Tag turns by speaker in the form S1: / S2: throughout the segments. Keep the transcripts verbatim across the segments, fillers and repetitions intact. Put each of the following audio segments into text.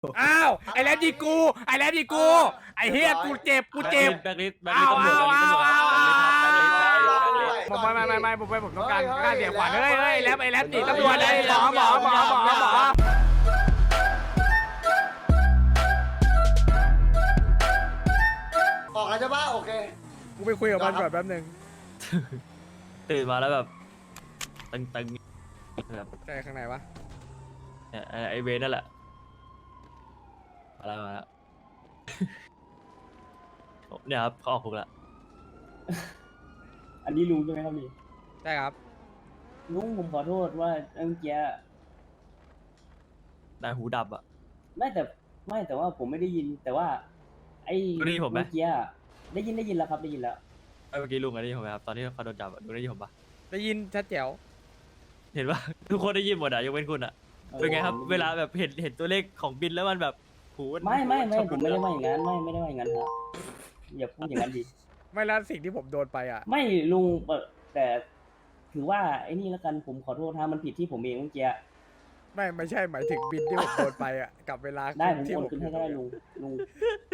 S1: อ้าวไอ้แรดยิงกูไอ้แรดยิงกูไอ้เฮียกูเจ็บกูเจ็บ
S2: แบ็คลิสต์แบ็คลิสต์ตำรวจ
S1: เอา
S2: แบ็คลิสต์ตำรวจ
S1: เอา
S2: แบ็คลิสต์ครับแบ็คลิสต์ครับแบ็คลิสต์
S1: ผมไม่ไม่ไม่ไม่ผมไม่ผมต้องการการเสียขวัญเฮ้ยเฮ้ยแรดไอ้แรดหนีตำรวจไอ้หมอหมอหมอหมอหมอ
S3: ออกแล้วใช่ปะโอเค
S1: กูไปคุยกับมันก่อนแป๊บนึง
S2: ตื่นมาแล้วแบบตึงๆแบบ
S1: ใช่ข้างในวะ
S2: เนี่ยไอ้ไอเวนั่นแหละมาแล้วมาแล้ว เนี่ยครับเขาออกคุกแล้ว
S4: อันนี้ลุงใช่ไหมครับนี่
S1: ใช่ครับ
S4: ลุงผมขอโทษว่าเมื่อกี้
S2: นายหูดับอ่ะ
S4: ไม่แต่ไม่แต่ว่าผมไม่ได้ยิน แต่ว่า ไอ้
S2: ได้ยินผมไหม
S4: เมื่อกี้ได้ยินได้ยินแล้วครับได้ยินแล้ว
S2: ไอ้เมื่อกี้ลุงอะได้ยินผมไหมครับตอนที่เขาโดนจับอะลุงได้ยินผมปะ
S1: ได้ยินชัดแจ๋ว
S2: เห็นปะ ทุกคนได้ยินหมดอะยกเว้นคุณอะเป็นไงครับ เวลาแบบเห็นเห็นตัวเลขของบินแล้วมันแบบหูน
S4: ไม่ไม่ไม่
S2: ชอบ
S4: ผมไม่ได้ว่าอย่างนั้นไม่ไม่ได้ว่าอย่างนั้นครับอย่าพูดอย่างนั้นดิ
S1: ไม่แล้วสิ่งที่ผมโดนไปอ่ะ
S4: ไม่ลุงเปิดแต่ถือว่าไอ้นี่แล้วกันผมขอโทษถ้ามันผิดที่ผมเองเมื่อกี้
S1: ไม่ไม่ใช่หมายถึงบินที่ผมโดนไปอ่ะกับเวลา
S4: ได้ผม
S1: ที่
S4: โอนคืนให้ก็ได้ลุงลุง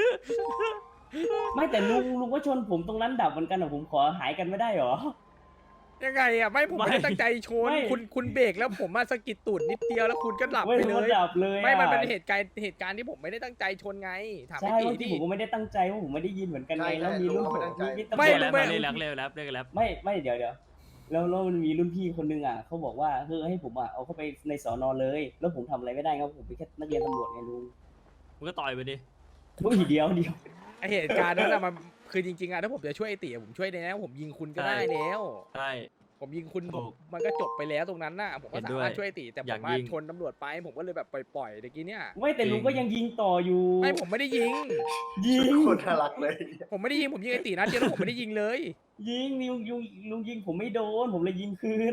S4: ไม่แต่ลุงลุงก็ชนผมตรงนั้นดับเหมือนกันอะผมขอหายกันไม่ได้หรอ
S1: ยังไงอ่ะไม่ผมไม่ได้ตั้งใจชน
S4: ไม่
S1: คุณคุณเบรกแล้วผมมาสะกิดตูดนิดเดียวแล้วคุณก็หลับ
S4: ไม่
S1: ไป
S4: รู้
S1: เล
S4: ว่าย ดับเลยอะ
S1: ไม่มันเป็นเหตุการณ์เหตุการณ์ที่ผมไม่ได้ตั้งใจชนไงถาม
S4: ใช่
S1: ไอ้
S4: เมื่อ
S1: ตี
S4: กี้
S1: ดิ
S4: ผมก็ไม่ได้ตั้งใจว่าผมไม่ได้ยินเหมือนกันไง
S3: ใช่
S4: แล้วมีรุ่น
S3: ใช่
S4: ผม
S3: เราก็ไม่
S4: มี
S3: ตั้งใจ
S4: มีตำร
S1: ไม่
S4: วจ
S2: เรียกแล้วเรียกแล้วเรียกแล้วเรียกแล้ว
S4: ไม่ไม่เดี๋ยวเดี๋ยวแล้วแล้วมันมีรุ่นพี่คนนึงอ่ะเขาบอกว่าคือให้ผมอ่ะเอาเข้าไปในสอนอเลย แล้วผมทำอะไรไม่ได้ครับผมเป็นแค่นักเรียนตำรวจไงลุง
S2: มึงก็ต่อยไปดิ
S4: อุ้ยเดียวเดียว
S1: ไอเหตุการณ์นั้นอะมันคือจริงๆอะถ้าผมจะช่วยไอ้ตีอะผมช่วยได้แล้วผมยิงคุณก็ได้แล้ว
S2: ใช่
S1: ผมยิงคุณ
S2: ถูก
S1: มันก็จบไปแล้วตรงนั้นน่ะผมก็
S2: เห็น
S1: สา
S2: ด้วย
S1: มารถช่วยไอ้ตีแต่ผ
S2: อยาก
S1: มมา
S2: ยิง
S1: ชนตำรวจไปผมก็เลยแบบปล่อยๆเมื่อกี้เนี่ย
S4: ไม่แต่ลุงก็ยังยิงต่ออยู่
S1: ไม่ผมไม่ได้ยิง
S4: ยิง
S3: คนน่ารักเลย
S1: ผมไม่ได้ยิงผมยิงไอ้ตีนัดเดียวแล้วผมไม่ได้ยิงเลย
S4: ยิงลุงลุงลุงยิงผมไม่โดน ผมเลยยิงคืน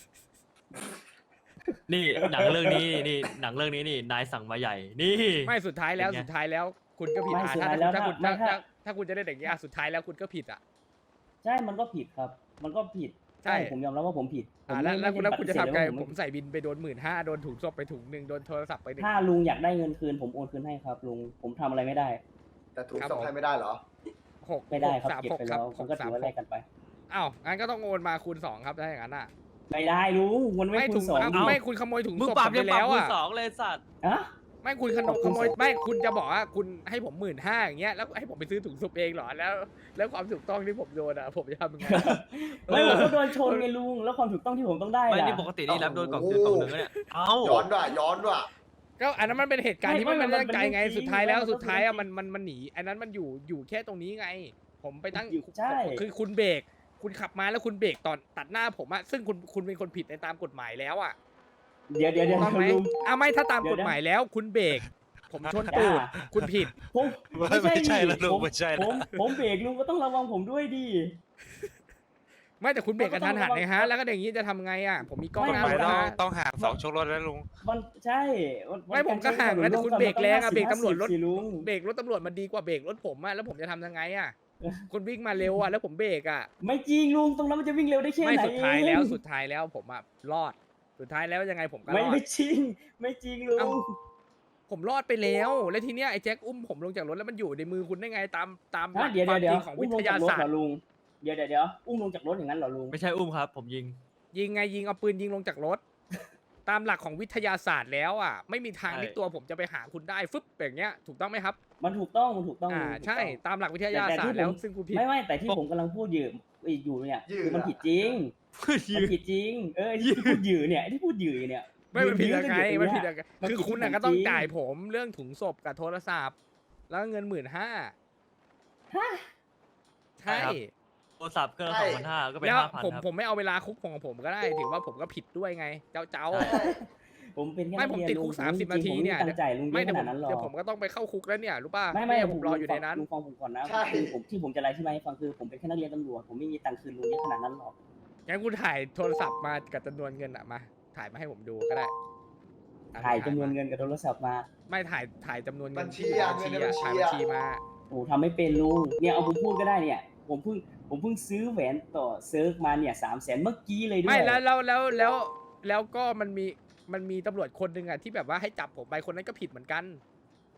S2: นี่หนังเรื่องนี้นี่หนังเรื่องนี้นี่นายสั่งมาใหญ่ นี่
S1: ไม่สุดท้ายแล้ว
S2: เป็นไง
S1: สุดท้ายแล้ว คุณก็ผิด
S4: ไม่
S1: อ่ะ
S4: สุด
S1: ถ้า
S4: ท้ายแล้ว
S1: ถ้าคุณ
S4: ถ้า
S1: ถ้า
S4: ถ้า
S1: ถ้าถ้าคุณจะได้อย่างเงี้ยอ่ะสุดท้ายแล้วคุณก็ผิดอ่ะ
S4: ใช่มันก็ผิดครับ มันก็ผิด
S1: ใช่
S4: ผมยอมรับว่าผมผิดผม
S1: อ่าแล้ว
S4: ไม่
S1: แล้ว
S4: ไม่
S1: แล้ว
S4: ได้
S1: คุณจะ
S4: ปฏิ
S1: ทำ
S4: เส
S1: ไง
S4: ธเลยว่า
S1: ผมใส่บินไปโดนหมื่นห้าโดนถุงศพไปถุงหนึ่งโดนโทรศัพท์ไปหนึ่ง
S4: ถ้าลุงอยากได้เงินคืน ผมโอนคืนให้ครับลุงผมทำอะไรไม่ได้
S3: แต่ถูก
S1: ครับ
S3: ส่งให้ไม่ได้เหรอ
S1: หก
S4: ไม่ได้ครับ
S1: สาม
S4: เก็บ
S1: หก
S4: ไป
S1: ครั
S4: แล้
S1: บ
S4: ว
S1: ห
S4: มัน
S1: ก
S4: ก็
S1: สา
S4: ถื
S1: ม
S4: อว่า
S1: ห
S4: แล
S1: ก
S4: กกันไป
S1: อ้าวงั้นก็ต้องโอนมาคูณสองครับถ้าอย่างนั้นอ่ะ
S4: ไม่ได้ลุงมันไม่
S1: ไม่
S4: คู
S1: ถุ
S4: ณ
S1: ง
S4: สอง
S1: อ่ะ
S4: ดิ
S1: ไม่คุณขโมยถุง
S2: มึง
S1: ศพ
S2: ปรับ
S1: ผม
S2: ยัง
S1: ไป
S2: ปรับ
S1: แล้ว
S2: คูณ
S1: อ่ะ
S2: สองเลยสัตว์
S4: อะ
S1: ไม่คุณขโมยขโมยไม่คุณจะบอกว่าคุณให้ผมหมื่นห้าอย่างเงี้ยแล้วให้ผมไปซื้อถุงศพเองเหรอแล้ว แล้วความถูกต้องที่ผมโดนอ่ะผมจะทำยังไง
S4: ไม่ผมก็โดนชนไงลุงแล้วความถูกต้องที่ผมต้องได้
S2: ไม่
S4: ล่ะ
S2: นี่ปกตินี่รับโดนกล่องคือกล่องหนึ่งแล้วเนี่ยเอ้า
S3: ย้อนด้วยย้อนด้วย
S1: ก็อันนั้นมันเป็นเหตุการณ์ที่
S4: ไม่
S1: ไม่
S4: ไม่
S1: มันตั้งใจไง
S4: มันเป็นเรื่องจริง
S1: สุดท้ายแล้ว
S4: มันก็
S1: สุดท้ายอ่ะ
S4: เป็น
S1: มัน
S4: เรื่องจริง
S1: มันมันหนีอันนั้นมันอยู่อยู่แค่ตรงนี้ไง ผมไปตั้ง
S4: อยู่ใช่
S1: คือคุณเบรกคุณขับมาแล้วคุณเบรกตอนตัดหน้าผมอะซึ่งคุณคุณเป็นคนผิดในตามกฎหมายแล้วอะ
S4: เดี๋ยวเดี๋ยวเดี๋ยว
S1: ต้องไหม
S4: ลุง
S1: อ่ะไม่ถ้าตาม
S4: เดี๋
S1: ก
S4: ยว
S1: ฎ
S4: นะ
S1: หมายแล้ว คุณเบรกผมชนตูด
S4: อ่า
S1: คุณผิด
S4: ผมไม่ใช่
S5: ไม่ใช่แล้วลุง
S4: ผม
S5: ไม่ใช่แล้ว
S4: ผมผมเบรกลุงก็ต้องระวังผมด้วยดิ
S1: ไม่แต่คุณเบรกกระทันหันไงฮะ แล้วก็อย่างนี้จะทำไงอะผมมีกล้องหน้า
S5: ไป
S1: รถ
S5: ต้อง
S1: นะ
S5: ต้องห่างสองชกรถแล้วลุง
S4: มันใช่น
S1: ไม่ผมก็ห่างนะแต่คุณเบรกแรงอะเบรกตำรวจรถ
S4: สิลุง
S1: เบรกรถตำรวจมันดีกว่าเบรกรถผมอะแล้วผมจะทำยังไงอะคุณวิ่งมาเร็วอะแล้วผมเบรกอะ
S4: ไม่จริงลุงตรงนั้นมันจะวิ่งเร็วได้แค่
S1: ไม่
S4: ไหน
S1: สุดท้ายแล้ว
S4: เอง
S1: สุดท้ายแล้วผมอะรอดสุดท้ายแล้วยังไงผมก็ร
S4: ไม่
S1: อด
S4: ไม่จริง ไม่จริงลุ
S1: เอ้าง ผมรอดไปแล้ว แล้วทีเนี้ยไอ้แจ็คอุ้มผมลงจากรถแล้วมันอยู่ในมือคุณได้ไงตามตามหลั
S4: ฮะ
S1: ก
S4: เดี๋ยว
S1: ควา
S4: เดี๋ยว
S1: ม
S4: เดี๋
S1: จ
S4: ยว
S1: ริงของ
S4: อุ้
S1: วิ
S4: มลง
S1: ท
S4: จาก
S1: ยาร
S4: ถ
S1: ศาส
S4: เหร
S1: ต
S4: อ
S1: ร์
S4: ลุงเดี๋ยวเดี๋ยวเดี๋ยวอุ้มลงจากรถอย่างนั้นเหรอลุง
S2: ไม่ใช่อุ้มครับ ผมยิง
S1: ยิงไงยิงเอาปืนยิงลงจากรถ ตามหลักของวิทยาศาสตร์แล้วอ่ะไม่มีทาง
S2: ใช่
S1: ที่ตัวผมจะไปหาคุณได้ฟึบอย่างเงี้ยถูกต้องไหมครับ
S4: มันถูกต้องมันถูกต้อง
S1: อ่า
S4: ลุงถูกต้อง
S1: ใช่ตามหลักวิทยา
S4: แต่
S1: ศาสต
S4: ที่
S1: ร์แล้ว
S4: ผม
S1: ซึ่งคุณผิด
S4: ไม่ไม่แต่ที่ผมกำลังพูดอยู่อยู่เนี่ยคือมันผิดจริงมันผิดจริง เออที่พูดอยู่เนี่ยที่พูดอยู่เนี่ย
S1: ไม่มันผิดยังไง
S4: ยื
S1: มัน
S4: น
S1: ผิด
S4: อ
S1: ยังไง
S4: มัน
S1: คือ
S4: ผิด
S1: คุณน่ะ
S4: จริง
S1: ก็ต้องจ่ายผมเรื่องถุงศพกับโทรศัพท์ แล้วเงินหมื่นห้า
S4: ฮะ
S1: ใช่
S2: ครับ โทรศัพท์เครื่องละ
S3: ใช่
S2: สองพันห้าก็เป็น
S1: แล้ว
S2: ห้าพัน
S1: ผม
S2: ครับ
S1: ผมไม่เอาเวลาคุกของผมก็ได้ถือว่าผมก็ผิดด้วยไง เจ้าเจ้า
S2: ใช่
S4: ผมเป็นแค่
S1: ไม่ผม
S4: นัเรียน
S1: ติดคุก
S4: ลุง
S1: สามสิบ
S4: จริงๆ
S1: นาที
S4: ผม
S1: เนี่ย
S4: ไม่ตั้งใจลุงเย
S1: ไม่
S4: อะ
S1: เดี๋
S4: ข
S1: ยวผม
S4: นาดนั้นหรอ
S1: เดี๋ยวผมก็ต้องไปเข้าคุกแล้วเนี่ยรู้ป่ะ
S4: ไม่ไม่
S1: เนี่ยผมรออยู่ในนั้น
S4: ลุงฟังผมก่อนนะ
S3: ใช่
S4: คือผมที่ผมจะไล่ที่มาให้ฟังคือผมเป็นแค่นักเรียนตำรวจผมไม่มีตังค์คืนลุงเยอะขนาดนั้นหรอก
S1: งั้นคุณถ่ายโทรศัพท์มากับจำนวนเงินอะมา ถ่ายมาให้ผมดูก็ได้อ่ะ
S4: ถ่ายจำนวนเงินกับโทรศัพท์มา
S1: ไม่ถ่ายถ่ายจำนวนเงิ
S3: บั
S1: น
S3: ญชี
S1: ที่
S3: อะ
S1: บัญชี
S3: เงินในบั
S1: อะ
S3: ญชี
S1: ถ่ายบัญ
S3: อะ
S1: ชีมา
S4: โอ้ทำไม่เป็นลุงเนี่ยเอาผมพูดก็ได้เนี่ย ผมเพิ่งผมเพิ่งซื้อแหวนต่อเซิร์ฟมาเนี่ยสามแสนเมื่อกี้เลยด้วย
S1: ไม่แล้วแล้วแล้วแล้วแล้วก็มันมีมันมีตำรวจคนหนึ่งอะที่แบบว่าให้จับผมไปคนนั้นก็ผิดเหมือนกัน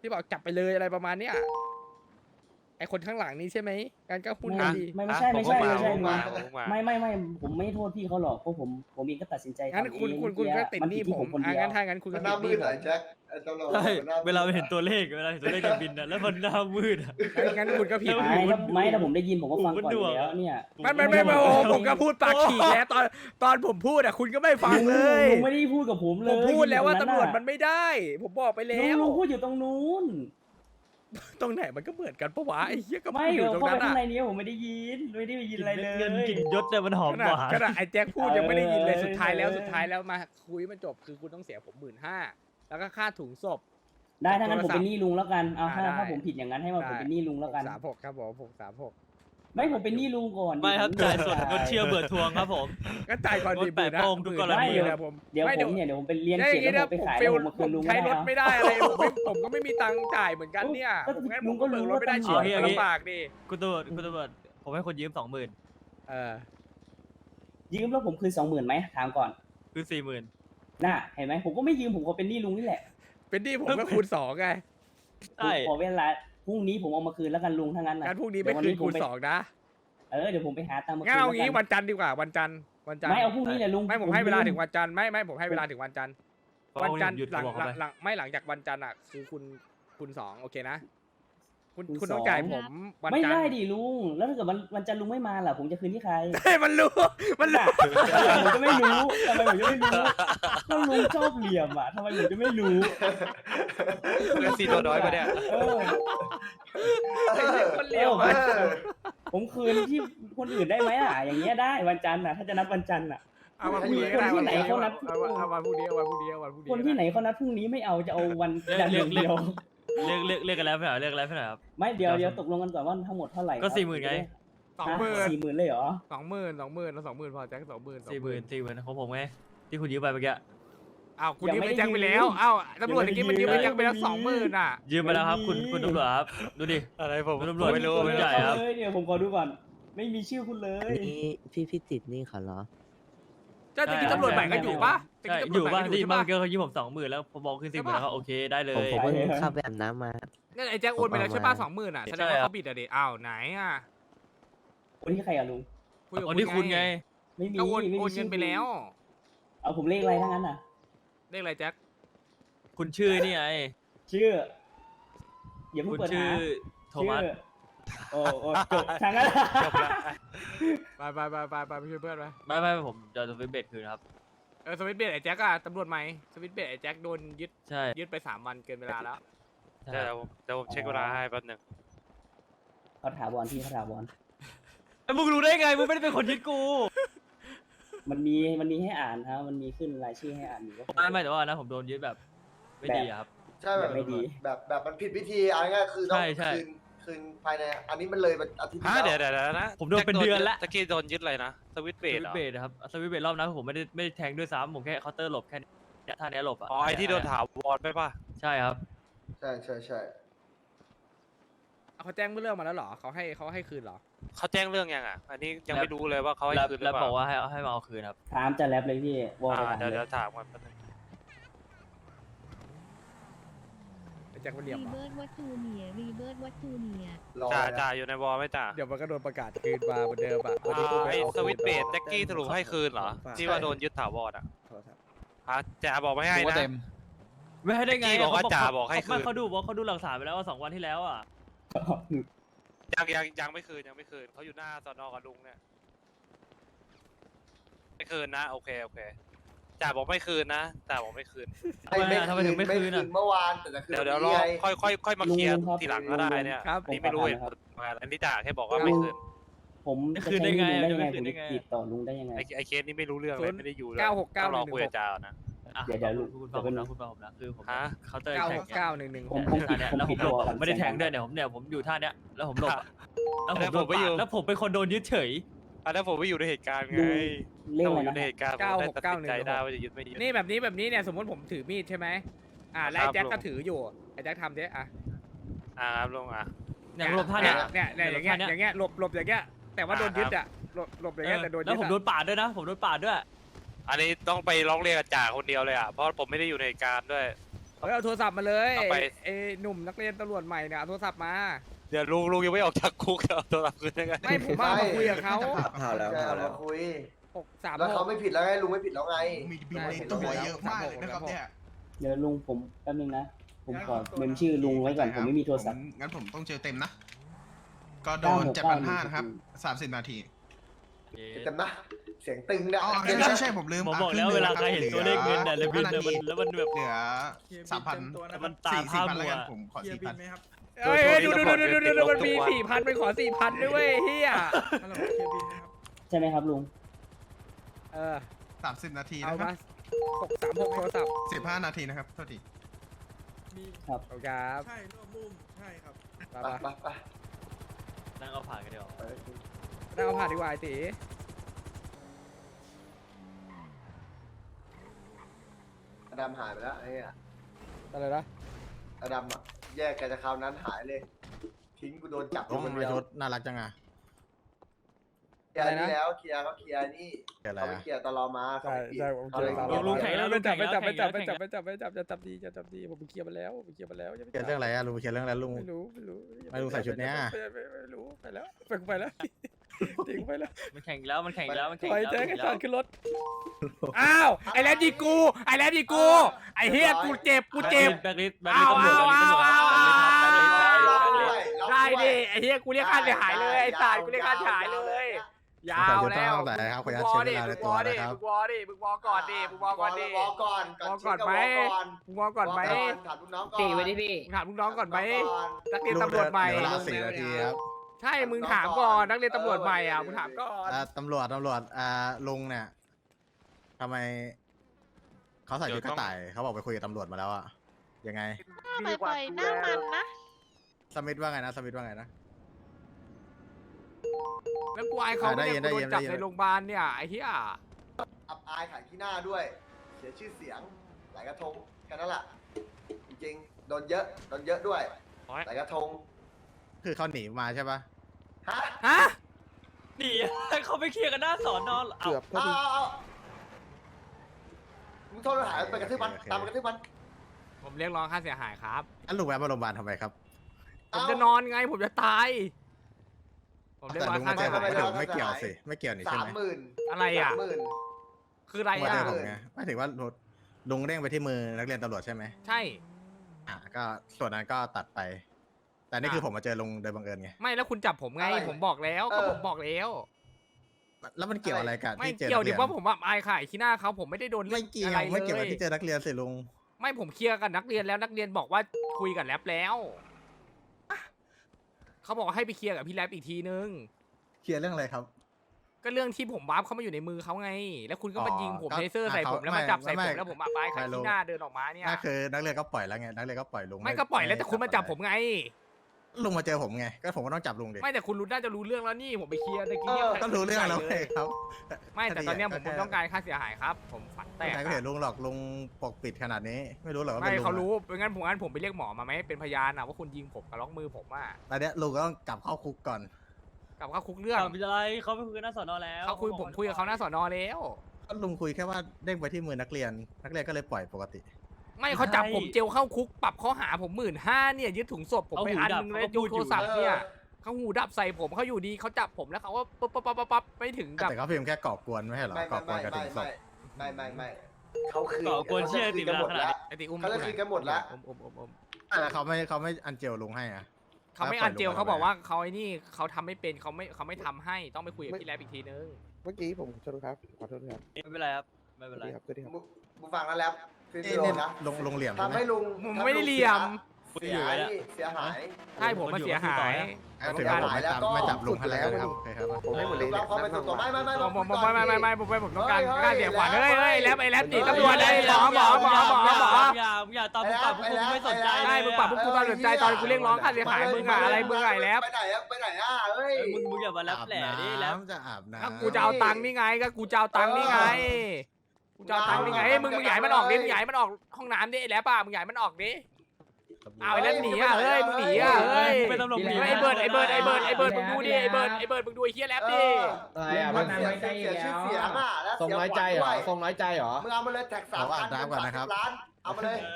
S1: ที่บอกจับไปเลยอะไรประมาณเนี้ยไอคนข้างหลังนี้ใช่ไหมการก็หุ้นกันดี
S4: ไม่ไม่ใช่ไม่ใช่ไม่ใช่
S5: ผม
S4: ไม่
S5: มาผมมา
S4: ไม่ไม่ไม่ผมไม่โทษพี่เขาหรอกเพราะผมผมเองก็ตัดสินใจ
S1: งั้น
S4: ทำเอง
S1: คุณคุณคุณก็ติด
S4: มั
S1: หนี้
S4: ที่
S1: ผม
S4: คน
S1: อ่ะ
S4: เดียว
S1: งั้นถ้างั้นคุณก็
S3: ห
S1: ติ
S3: น้า
S1: ดห
S3: มื
S1: นี้
S3: ด
S1: ผ
S3: หน่อย
S1: ม
S3: แจ็คไอ้ตำรวจ
S2: ใช่
S3: หน้ามืด
S2: เวลาเห็นตัวเลขเวลาเห็นตัวเลขในบินอะแล้วมันหน้ามืดอะ
S1: งั้นงั้นคุณก็ผิด
S4: ไม่ถ้าไม่ถ้าผมได้ยินผมก็ฟังก่อนอยู่แล้วเนี่ย
S1: ไม่ไม่ไม่ไม่โอ้ผมก็พูดปากฉีกแล้วตอนตอนผมพูดอ่ะคุณก็ไม่ฟังเลย
S4: ลุงไม่ได้พูดกับผมเล
S1: ผ
S4: ย
S1: มพูดแล้วว่า
S4: อยู่
S1: ตำรวจ
S4: ะ
S1: มันไม่ได้ ผมบอกไปแล้
S4: ลุง
S1: ว
S4: ลุงพูดอยู่ตรงนู้น
S1: ตรงไหนมันก็เหมือนกันปะวะไอ้เหี้ยก็
S4: ไม่
S1: พูดอยู่
S4: เรา
S1: ตรง
S4: เข้าไป
S1: นั้น
S4: ข้าง
S1: อ่ะ
S4: ในนี้ผมไม่ได้ยินไม่ได้ยินอะไรเลย
S2: เงินกินยศเนี่ยมันหอม
S1: ข
S2: ก
S1: นาด
S2: ว่า
S1: ขนาดไอ้แจ็คพูดยังไม่ได้ยินเลย
S4: เออ
S1: สุดท้ายแล้ว
S4: เออ
S1: สุดท้ายแล้วมาคุยมันจบคือคุณต้องเสียผมหมื่นห้าแล้วก็ค่าถุงศพ
S4: ได้ถ้างั้นผมเป็นหนี้ลุงแล้วกันเอาถ้า
S1: ได้
S4: ถ้าผมผิดอย่างนั้นให้มาผมเป็นหนี้ลุงแล้วกัน
S1: สามหกครับผมหกสามหก
S4: ไม่ผมเป็นหนี้ลุงก่อน
S2: ไม่ครับ
S4: ดิ
S2: จ่ายส่วนรถเชียร์เบิดทวงครับผม
S1: ก็จ่ายก่อนดี
S2: รถแปะโป้งทุกกรณี
S1: เดี๋ยวผม
S4: เดี๋ยว
S1: ไม่
S4: ผมเนี่ยเดี๋ยวผมไปเรียน
S1: ได้อ
S4: เขีย
S1: ย่าน งนี้
S4: แล้ว
S1: นะ
S4: ผมไป
S1: ผม
S4: ขาย
S1: ฟิ
S4: แล้ว
S1: ล
S4: ผมมาคืนลุง
S1: ใช้รถ
S4: เอา
S1: ไม่ได้อะไรผมไม่ผมก็ไม่มีตังค์จ่ายเหมือนกันเนี่ย
S4: ก็
S1: ผมงั้น
S4: ลุ
S1: ผม
S4: งก็
S1: ก็เบิก
S4: รู้
S1: รถไม่ได้
S4: ว่า
S1: เฉียว
S2: เอาอย่างงี้
S1: ลำบากดิ
S2: คุณตำรวจคุณตำรวจผมให้คนยืมสองหมื่น
S1: เออ
S4: ยืมแล้วผมคืนสองหมื่นไหมถามก่อน
S2: คือสี่หมื่น
S4: น่ะเห็นไหมผมก็ไม่ยืมผมก็เป็นหนี้ลุงนี่แหละ
S1: เป็นหนี้ผมก็คูณสองไง
S2: ใช่
S4: ผมขอเวลาพรุ่งนี้ผมเอามาคืนแล้วกันลุงทั้งนั้นนะ
S1: งั้นพรุ่งนี้ไม่คืนคูณสองนะ
S4: เออเดี๋ยวผมไปหาตังค์มาคื
S1: งั้น
S4: น
S1: เอา
S4: แล้ว
S1: งี้
S4: กั
S1: วันจันทร์ดีกว่าวันจันทร์วันจันทร์
S4: ไม่เอาพรุ่งนี้แหละลุง
S1: ไม่ผมให้เวลาถึงวันจันทร์ไม่ไม่ผมให้เวลาถึงวันจันทร์
S2: เพราะ
S1: วัน
S2: ว่า
S1: จันทร์
S2: หยุด
S1: หลัง
S2: บอก
S1: หลั
S2: เขา
S1: ง
S2: ไป
S1: หลังไม่หลังจากวันจันทร์อ่ะคือคุณคุณสองโอเคนะ คุณ
S4: คุณ
S1: คุณต้อง
S4: สอง
S1: จ่ายผมวัน
S4: ไม่
S1: จันท
S4: ได้
S1: ร์
S4: ดิลุงแล้วถ้าเกิดวันวันจันทร์ลุงไม่มาล่ะผมจะคืนที่ใคร
S1: เฮ้ยมันรู้มันรู้
S4: ผมจะไม่รู้ทำไมผมจะไม่รู้ก็ลุงชอบเหลี่ยมอ่ะทำไมผมจะไม่รู้
S5: เงินสี่ตัวน้อยปะเนี่ย
S4: เออ
S1: ไอ้เหี้ยคนเลี้ยว
S3: เอ
S1: อะ
S3: อ
S4: ผมคืนที่คนอื่นได้ไหมอ่ะ อย่างเงี้ยได้วันจันทร์อ่ะถ้าจะนัดวันจันทร์อ่ะ
S1: เอามาพรุ่งนี้ก็ได้
S4: คนที่ไหนเขานัด
S1: เอามาเอามาพรุ่งนี้เอามาพรุ่งนี้เอามาพรุ่งนี้
S4: คนที่ไหนเขานัดพรุ่งนี้ไม่เอาจะเอาวัน
S2: เรีย
S4: จั
S2: ก
S4: นทร์
S2: เรี
S4: อย
S2: ก
S4: ย่าง
S2: เรีย
S4: เดี
S2: ก
S4: ยว
S2: เรียกเรียกเรียกกันแล้วไปหน่อยเรียกอะไรไปหน่อยครับ
S4: ไม่เดี๋ยวเดี๋ยวตกลงกันก่อนว่าทั้งหมดเท่าไหร่
S2: ก็สี่หมื่นไง
S1: สองหมื่น
S4: สี่หมื่นเลยเหรอ
S1: สองหมื่นสองหมื่นแล้วสองหมื่นพอแจ็คสองหมื่น
S2: สี่หมื่นสี่หมื่นของผมไงที่คุณยืมไปเมื่อกี้
S1: อ้าวคุณยืมไปแจ็คไปแล้วอ้าวตำรวจเมื่อกี้มันยืมไปแจ็คไปแล้วสองหมื่นอ่ะ
S2: ยืมไปแล้วครับคุณคุณตำรวจครับดูดิ
S5: อะไรผม
S2: ตำรวจ
S5: ไม่รู้
S2: ไม่
S5: ไม่
S2: รู้
S5: รู้
S2: ใหญ่ครับ
S4: เลยเดี๋ยวผมขอดูก่อน ไม่มีชื่อคุณเลย
S6: นี่พี่พี่ติดหนี่เขาเหรอ
S1: เจ้าตะกี้ตำรวจใหม่ก็อยู่ปะ
S2: ใช่
S1: ตะ
S2: อ
S1: กี้
S2: ยู่
S1: ตำรวจให
S2: บ้า
S1: ม่
S2: น
S1: ก็อ
S2: ที่
S1: ยู่
S2: บ้าน
S1: ปะ
S2: เมื่อกี้เขายืมผมสองหมื่นแล้วผมบอกขึ้นสี่หมื่นแล้วเขาโอเคได้เล
S6: ผม
S2: ย
S6: ผมเพิ่งเข้าไปอาบน้ำมา
S1: นั่นไอ้แจ็คโอนไปแล้วใช่ปะสองหมื่นอ่ะแสดงว่าเขาบิดอะดิอ้าวไหนอ่ะ
S4: คนที่ใครอะลุง
S1: คุยกับ
S2: คนที่คุณไง
S4: ไม่มี
S1: ก็โอน
S4: ไม่มี
S1: โอนเงินไปแล้ว
S4: เอาผมเลขอะไรทั้งนั้นอ่ะ
S1: เลขอะไรแจ็ค
S2: คุณชื่อนี่ไง
S4: ชื่ออย่าเพิ่ง
S2: คุณ
S4: เปิด
S2: ชื่อ
S4: หา
S2: โทมัส
S4: ชื่อโอ้โอ้จบทางนั้น
S5: จบละ
S1: ไปไปไปไปไปไปช่วยเพื่อนไป
S2: ไม่ไม่ผมจะสวิตช์เบสคืนครับ
S1: เออสวิตช์เบรดไอ้แจ็คอะตำรวจใหม่สวิตช์เบรดไอ้แจ็คโดนยึด
S2: ใช่
S1: ยึดไปสามวันเกินเวลาแล้ว
S2: ใช่
S5: เดี๋ยวผมเดี๋ยวผมเช็คเวลาให้แป๊บหนึง
S4: เขาถามบอลที่เขาถามบอล
S2: ไอ้มึงรู้ได้ไงมึงไม่ได้เป็นคนยึดกู
S4: มันมีมันมีให้อ่านครับมันมีขึ้นรายชื่อให้อ่านอยู่ว่า
S2: ไม่ไม่แต่ว่านะผมโดนยึดแบบไม่ดีอะครับ
S3: ใช่แบบ
S4: ไม่ดี
S3: แบบแบบมันผิดวิธีเอาง่ายๆคือต้อง
S2: ใช่ใช่
S3: คืนคืนภายในอันนี้มันเลยมันอาทิตย์
S5: ฮะ
S3: ที่
S5: เดี๋ยว
S3: แล้ว
S5: เดี๋ยวเดี๋ยวนะ
S2: ผมโดนเป็นเดือนละ
S5: ตะกี้โดนยึดอะไรนะสวิตช์เบ
S2: ส
S5: ร
S2: วิ
S5: ด
S2: ต
S5: เหร
S2: ช์
S5: อ
S2: เบสครับสวิตช์เบสรอบนั้นผมไม่ได้ไม่ได้แทงด้วยซ้ำผมแค่เคาน์เตอร์หลบแค่เนี้ยท่าเนี้ยหลบอ่ะ
S5: อ๋อไอที่โดนถาวรไปป่ะ
S2: ใช่ครับ
S3: ใช่ใช่ใช่
S1: เอาเขาแจ้งเรื่องมาแล้วเหรอเขาให้เขาให้คืนเหรอ
S5: เขาแจ้งเรื่องยังอ่ะ อันนี้ยังไม่รู้เลยว่าเขาให้
S2: แล้ว
S5: คืนหรื
S2: แล้ว
S5: อเป
S2: บอก
S5: ล่า
S2: ว่าให้ให้มาเอาคืนครับ
S4: ถามจะแรปเลยพี่วอลไป
S5: อ่า
S4: ถาม
S5: เดี๋ยว
S4: เล
S5: เดี๋ยวย ถามก่อนแป๊บนึง
S1: ไอ้แจ็คมันเหลี่ยม
S7: รี
S1: เหรอ
S7: เบิร์ดวัตตูเนียรีเบิร์ดวัตตูเนีย
S3: รอ
S5: จ่า
S3: นะ
S5: จ่าอยู่ในวอลไหม่จ่า
S1: เดี๋ยวมันก็โดนประกาศคืนมาเหมือนเดิมอะวัน
S5: อ่า
S1: นี้กูไป
S5: ไอ
S1: เอา
S5: สวิตช์เบรด
S1: คืน
S5: แจ็คกี้สรุปให้คืนเหรอ ที่ว่าโดนยึดถาวรอ่ะฮะจ่าบอกไม่ให้นะ
S2: ไม่ให้ได้ไง
S5: เมื่อกี้บอกว่า
S2: เข
S5: จ่าบอกให้คืน
S2: ไม่เขาดูบอกเขาดูหลักฐานไปแล้วว่าสองวันที่แล้วอ่ะ
S5: ยังยังยังไม่คืนยังไม่คืนเขาอยู่หน้าสอนอกับลุงเนี่ยไม่คืนนะโอเคโอเคจ่าบอกไม่คืนนะจ่าบอกไม่คืน
S2: ทำไมอะทำไมถึงไม่คืนอะ
S3: เมื่อวานแต่จะคืน
S5: เดี๋ยวเดี๋ยวร
S3: วัน
S5: อ
S3: นี้ไง
S5: ค่อยค่อยค่อยมาเคลียร์
S4: ลุงครับ
S5: ทีหลังก็ได้เนี่ย
S1: ครับ
S5: อันนี้ไม่รู้เหตุผลมาอันนี้จ่าแค่บอกว่าไม่คืน
S4: ผม
S2: ไม่
S4: จะ
S2: คืน
S4: ใช้
S2: ได้
S4: ห
S2: ไง
S4: นี้ลุงได้ยังไง
S2: จะไม่คื
S4: ผม
S2: นได้ไง
S4: ติดต่อลุงได้ยังไง
S5: ไอไอเคสนี้ไม่รู้เรื่องเลยไม่ได้อยู่เลย
S1: เก้าหกเก้า
S5: ต้องรอ
S1: หนึ่ง
S5: คุย
S1: ห
S5: กับ
S1: ก
S5: จ่านะ
S2: อ่ะ
S4: เดี๋ยวเดี๋ยว
S2: คุณฟังผมนะคุณฟังผมนะคือผม
S5: ฮะ
S2: เคาน์เตอร์
S1: เก้า
S2: แข่
S1: ห
S2: ง
S1: กเก้าหนึ่งหนึ่งห
S4: ผ
S1: ก
S4: มผม
S2: ท่าเนี้ย
S4: ผม
S2: แล้วผ
S4: ผิ
S2: ม
S4: ด
S2: หล
S4: ตัว
S2: บ
S4: กัน
S2: ไม่ได้แทงด้วยเนี่ยผมเนี่ยผมอยู่ท่าเนี้ยแล้วผมหลบอะแล้วผมหลบอะแล้วผมเป็นคนโดนยึดเฉย
S5: อันนั้นผมไม่อยู่ในเหตุการณ์ไง
S4: เลข
S5: ถ้าผ
S4: อะ
S5: ม
S4: ไร
S5: อยู่ใน
S4: นะ
S5: เหตุการณ์ผมได้ตัดสินใจได้ว่าจะยึดไม่ยึด
S1: นี่แบบนี้แบบนี้เนี่ยสมมติผมถือมีดใช่ไหมอ่าแล้วไอ้แจ็ค
S5: ครั
S1: ก็
S5: บ
S1: ถืออยู่ไอ้แจ็คทำดิอ่ะ
S5: อ่าครับลุงอ่ะ
S2: เนี่ยหลบท่าเนี้ย
S1: เนี่ยเนี่ยอย่างเงี้ยอย่างเงี้ยหลบหลบอย่างเงี้ยแต่ว่าโดนยึดอ่ะหลบหลบอย่างเงี้ยแต่โดนยึด
S2: แล้วผมโดนปาดด้วยนะ ผมโดนปาดด้วย
S5: อันนี้ต้องไปร้องเรียนกับจ่าคนเดียวเลยอ่ะเพราะผมไม่ได้อยู่ในเหตุการณ์ด้วย
S1: เฮ้ยเอาโทรศัพท์มาเลย
S5: เอาไป
S1: ไอ้หนุ่มนักเรียนตำรวจใหม่เนี่ยเอาโทรศัพท์มา
S5: เดี๋ยวลุงลุงยังไม่ออกจากคุกเอาโทรศัพท์คืนได้ไง
S1: ไม่ผมว่ามาคุยกับเขา
S8: เผาแล้ว
S3: ใช่
S8: เผา
S3: เอา
S8: แล้
S3: มาว คุย
S1: หกสาม
S3: แล้ว
S1: ห
S3: เขา
S1: ก
S3: ไม่ผิดแล้วไงลุงไม่ผิดแล้วไง
S9: มีบินในตัวเยอะมากเลยนะครับเนี่ย
S4: เดี๋ยวลุงผมแป๊บนึงนะ ผมขอเมมชื่อลุงไว้ก่อนผมไม่มีโทรศัพท์
S9: ผมงั้นผมต้องเจอเต็มนะ ก็โดน
S4: เก้าหก
S9: เจ็ด
S4: เก้า
S9: พันห้า
S4: หนึ่ง
S9: นะครับสามสิบนาที
S3: เต็มนะเสียงตึงนะ
S9: อ๋อใช่ใช่ผมลืม
S2: ผม
S9: อ่ะ
S2: บอก
S9: ครึ่
S2: แล้
S9: ง
S2: ว
S9: ห
S2: เว
S9: นึ่ง
S2: ลา
S9: นะ
S2: ใครเห็นตัวเลขเงินเนี่ยในบินเนี่ยมันแล้วมันแบบ
S9: เหลือสามพัน
S2: มันตาม
S9: สี่สี่
S2: ภาพ
S9: พันแล้วกัน
S2: มัว
S9: ผมขอสี่พัน
S1: เฮ้ยดูดูดูดูดูดูมันมีสี่พันไปขอสี่พันด้วยเวยเฮีย
S4: ใช่ไหมครับลุง
S1: เออ
S9: สามสิบนาที
S1: เอา
S9: นะครั
S1: มา
S9: บ
S1: หกสามหกโทรศัพท์
S9: สิบห้านาทีนะครับโทษที
S4: ครับ
S1: โอเคครับ
S8: ใช่รอบมุมใช่ครับ
S1: ไป
S3: ไป
S1: ไป
S3: ไปไป
S2: นั่งเอาผ่านกันเดียวา
S1: นั่งเอาผ่านดีกว่าไอ้ตี
S3: อดัมหายไปแล้วไอ้เนี่ย
S1: อะไรนะ
S3: อดัมอ่ะแยกกันจากคราวนั้นหายเลย ทิ้งกูโดนจับ
S8: โอ้
S3: คน
S8: ไม่
S3: เดียว
S8: รถน่ารักจังอ่ะ
S3: เคลียร์นี่แล้วเคลียร์เขาเคลียร์นี่
S8: เกิดอะไร
S3: เขาไป
S8: อ่ะ
S3: เคลียร์ตลอมาเขา
S1: ใช่
S3: ไปปิด
S1: ใช่ผม
S3: เขา
S1: เจ
S3: เล
S1: อย ตาม
S3: เคลียร์
S2: ลุงแข่งแล้ว
S1: ไม่จับ
S2: แข่
S1: ไม่
S2: ง
S1: จับ
S2: แล้ว
S1: ไม่จับไม่
S2: แข่
S1: จับ
S2: ง
S1: ไม่
S2: แล้ว
S1: จับไม่จับไม่จับจะจับดีจะจับดีผมเคลียร์มาแล้วผมเคลียร์มาแล้ว
S8: เกิดเรื่องอะไรอ่ะลุงเขียนเรื่องอะไรลุง
S1: ไม่รู้ไม่รู้
S8: ไม่รู้ใส่ชุดเนี้ย
S1: ไม่ไม่ไม่รู้ไปแล้วไปกูไปแล้วทิ้งไปแล้ว
S2: มันแข่งแล้วมันแข่งแล้วมันแข่ง
S1: ไป
S2: แล้ว
S1: แจ้ง
S2: มัน
S1: ไอ้
S2: แข่ง
S1: จา
S2: แล้
S1: น
S2: ว
S1: ขึ้นรถอ้าวไอ้แรดดีกูไอ้แรดดีกูไอ้เฮียกูเจ็บกูเจ็บ
S2: แบ็คลิสต์แบ็ค
S1: เอา
S2: ลิสต์ตำรวจ
S1: เอา
S2: แบ็คลิสต์ตำรวจ
S1: เอา
S2: แบ็คลิสต์
S1: เอา
S2: แบ็คลิสต์
S1: ได้ดิไอ้เฮียกูเรียกค่าเสียหายเลยไอ้สายกูเรียกค่าเสียหายเลย ยาวแล้ว
S8: แต่ครับขออนุญาต
S1: วอ
S8: เช็ค
S1: ดิ
S8: เวลาใน
S1: มึง
S8: ตัว
S1: วอดิ
S8: นะครับ
S1: มึงวอดิมึงวอก่อนดิมึงวอก่อนดิ
S3: วอก่อน
S1: วอก่อนไหม มึงวอก่อนไหม
S3: ถามลูกน้องก่อน
S4: ตีไว้ดิพี่
S1: มึงถามลูกน้องก่อนไหมนักเรียน
S8: ลุง
S1: ตำรวจใหม่
S8: เวลาสี่นาทีครับ
S1: ใช่มึงถามก่อนนักเรียนตำรวจใหม่อ่ะมึงถามก่อน
S8: อ่าตำรวจตำรวจอ่าลุงเนี่ยทำไมเขาใส่ชุดกระต่ายเขาบอกไปคุยกับตำรวจมาแล้วอ่ะยังไง
S1: บ่อยๆหน้ามันนะ
S8: สมิธว่าไงนะสมิธว่าไงนะ
S1: แล้วกูอายเขา
S8: ได้
S1: ไม่
S8: ยิน
S1: ได้
S8: ได้
S1: กู
S8: ยิ
S1: โด
S8: น
S1: นจับ
S8: ได้ยิน
S1: ในโรงพยาบาลเนี่ยไอ้เหี้ย
S3: อับอายขายขี้หน้าด้วย เสียชื่อเสียงหลายกระทงแค่นั้นแหละจริงๆโดนเยอะโดนเยอะด้วยหลายกระทง
S8: คือเขาหนีมาใช่ปะ
S3: ฮะ
S1: ฮะ
S2: นี่เขาไปเคลียร์กันหน้าสอนอเกือบ
S3: เอาเอาเอามึงโทษหายไปกระทืบมันตามไปกระทืบมัน
S1: ผมเรียกร้องค่าเสียหายครับ
S8: อันลุงแวะมาโรงพยาบาลทำไมครับ
S1: ผมจะนอนไงผมจะตายผมเรียก
S8: แต่
S1: ร้อง
S8: ลุง
S1: ค่า
S8: ไม่
S1: เสียหาย
S8: ไม่ถึงไม่เกี่ยวสิไม่เกี่ยวนี่ใช่
S3: สาม
S8: ไหม
S3: หมื่น
S1: อะไรอ่ะ
S3: สามหมื่น
S1: คืออะไร
S8: มา
S1: อ่ะ
S8: เจอผมไงไม่ถึงว่าลุงเด้งไปที่มือนักเรียนตำรวจใช่ไหม
S1: ใช่
S8: อ่ะก็ส่วนนั้นก็ตัดไป แต่นี่คือผมมาเจอลุงโดยบังเอิญไง
S1: ไม่แล้วคุณจับผมไงผมบอกแล้วก็ผมบอกแล้ว
S8: แล้วมันเกี่ยวอะไรกัน
S1: ไม่
S8: ที่เจอ
S1: เกี่ยว
S8: นั
S1: ดิ
S8: รีน
S1: ว่าผมแบบอายขายขี้หน้าเขาผมไม่ได้โดน
S8: ไม่เกี่ยว
S1: อะไร
S8: ไม่เกี่ยว
S1: เล
S8: กับ
S1: ย
S8: ที่เจอนักเรียนสิลุง
S1: ไม่ผมเคลียร์กับนักเรียนแล้วนักเรียนบอกว่าคุยกับแรปแล้วเขาบอกให้ไปเคลียร์กับพี่แรปอีกทีนึง
S8: เคลียร์เรื่องอะไรครับ
S1: ก็เรื่องที่ผมวาร์ปเข้ามาอยู่ในมือเขาไง แล้วคุณก็มา
S8: อ๋อ
S1: ยิงผม
S8: ก็
S1: เทเซอร์ใส่ผม
S8: อ่ะ
S1: แล้ว
S8: เขา
S1: มาจับใส่
S8: ไม่
S1: ผม
S8: ไม่
S1: แล้วผมอับอายขาย
S8: ไม่รู้
S1: ขี้หน้าเดินออกมาเนี่ย
S8: นั่นคือนักเรียนก็ปล่อยแล้วไงนักเรียนก็ปล่อยลุง
S1: ไม่ก็ปล่อยแล้วแต่คุณมาจับผมไง
S8: ลุงมาเจอผมไงก็ผมก็ต้องจับลุงดิ
S1: ไม่แต่คุณรู้น่าจะรู้เรื่องแล้วนี่ผมไปเคลียร์ตะกี้เนี่ย
S8: ก็รู้เรื่องแล้ว
S1: เล
S8: เลย ยครับ
S1: ไม่แต่ตอนเนี้ยผมต้องการค่าเสียหายครับ ผมฝันแต
S8: แต่
S1: ก
S8: ก็เห็นลุงหรอกลุงปกปิดขนาดนี้ ไม่รู้หรอกว่า
S1: ไม่
S8: เป็นลุง
S1: เขารู้เป็นงั้นผมงั้นผมไปเรียกหมอมาไหมเป็นพยานนะว่าคุณยิงผมกับล็อกมือผมอ่ะ
S8: ตอนเนี้ยลุงก็ต้องกลับเข้าคุกก่อน
S1: กลับเข้าคุกเรื่อง
S2: ทำอะไรเขาไปคุยกันหน้าสอนอแล้ว
S1: เขาคุยผมคุยกับเขาหน้าสอนอแล้ว
S8: ก็ลุงคุยแค่ว่าเด้งไปที่มือนักเรียน นักเรียนก็เลยปล่อยปกติ
S1: ไม่เขาจับผมเจลเข้าคุกปรับข้อหาผมหมื่นห้าเนี่ยยึดถุงศพผมไปอันนึงเลยยูโทรศัพท์เนี่ยเขาหูดับใส่ผมเขาอยู่ดีเขาจับผมแล้วเขาก็ปั๊บปั๊บปั๊บปั๊บปั๊บไม่ถึงกับ
S8: แต่เขาเพียงแค่ก่อกวนไม่ใช่เหรอ
S3: ไม่
S8: ก่อกว
S3: ไม่
S8: นกระ
S3: ไม่
S8: ถึงศพ
S3: ไม่ไม่ไม่เขาคืน
S2: ก่อกวนเชี่ยติด
S3: กัน
S2: เว
S3: หม
S2: ลา
S3: ด
S2: ขนาด
S3: แล้ว
S2: นี้
S1: ไอ้ติอุ้ม
S3: เขาจะคืนกันหมดแล้ว
S1: อมอมอมอม
S8: แต่เขาไม่เขาไม่อันเจลลุงให้อะ
S1: เขาไม่อันเจลเขาบอกว่าเขาไอ้นี่เขาทำไม่เป็นเขาไม่เขาไม่ทำให้ต้องไปคุยกับพี่แรปอีกทีนึง
S10: เมื่อกี้ผมขอโทษครับ ขอโทษครับ
S2: ไม่เป็นไรครับไม่เป็นไร
S10: สวัสดีครับสวัสดีครับ
S3: มึงมึงฟังแล้วแล้วคือ
S8: เอ๊ะ
S3: โด
S8: นี่
S3: นนะ
S8: ลงลงเหลี่ยมใช่
S3: ทำ
S8: ไหม
S3: ให้ลุง
S1: ผมไม่ได้เหลี่ยม
S3: เสียหายเสียหาย
S1: ใช่ผมมาเสียหาย
S8: ก็ถือว่าผมไม่จับไม่จับลุงให้แล้วนะครับโอเคครับ
S10: ผมให้หมดเลย
S3: เราเขาไปตัวตัวไม่ไม่ไม่
S1: ผมผมผมไม่ไม่ไม่ไม่ผมไม่ผมต้องการค่าเสียขวัญเฮ้ยเฮ้ยแรปไอ้แรปตีตำรวจไอ้หมอหมอหมอหมอหมอ
S2: อย่าอย่าตามมึงปรับพวกกูไม่สนใจ
S1: ใช่มึงปรับพวกกูตอนสนใจตอนกูเรียกร้องค่าเสียหายมึงอะอะไรมึงไงแรป
S3: ไปไหนอะไปไหนอะเฮ้ย
S2: มึงมึงอย่ามาแลบแหล่ดิแลบ
S8: น้ำจะอาบ
S1: ก็
S8: น้ำ
S1: กูจะเอาตังค์นี่ไงก็กูจะเอาตังค์นี่ไงกูจะเอาตังค์นี่ไงเฮ้ยมึงมึงใหญ่มันออกดิมึงใหญ่มันออกห้องน้ำดิแรปป่ะมึงใหญ่มันออกดิเอาไอ้แรปหนีอ่ะเฮ้ยมึงหนีอ่ะเฮ้ย
S2: เป็นตำรวจ
S1: ไอ้เบิร์ดไอ้เบิร์ดไอ้เบิร์ดไอ้เบิร์ดมึงดูดิไอ้เบิร์ดไอ้เบิร์ดมึงดูไอ้เฮียแรปดิ
S10: อะไรอ่ะ
S3: มั
S10: มัน น
S3: เสียเสียชื่อเสียงอะแล้ว
S10: ทรง
S3: เสีย
S10: น้อย
S3: ข
S10: ใจ
S3: วัญ
S10: เหร
S3: ด้
S10: อ
S3: วย
S10: ทรงน้อยใจเหรอ
S3: มึงเอามาเลยแท็กสามพันสามสิบล้านเอามาเลย
S8: กู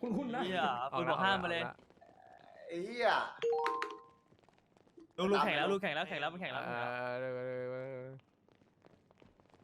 S2: คุณคุณนะเฮียคุณบอกห้ามมาเลย
S3: ไอ้เหี้ย
S2: ลุงลุงแข่งแล้วลุงแข่งแล้วแข่งแล้วมันแข่งแล้ว
S1: เออ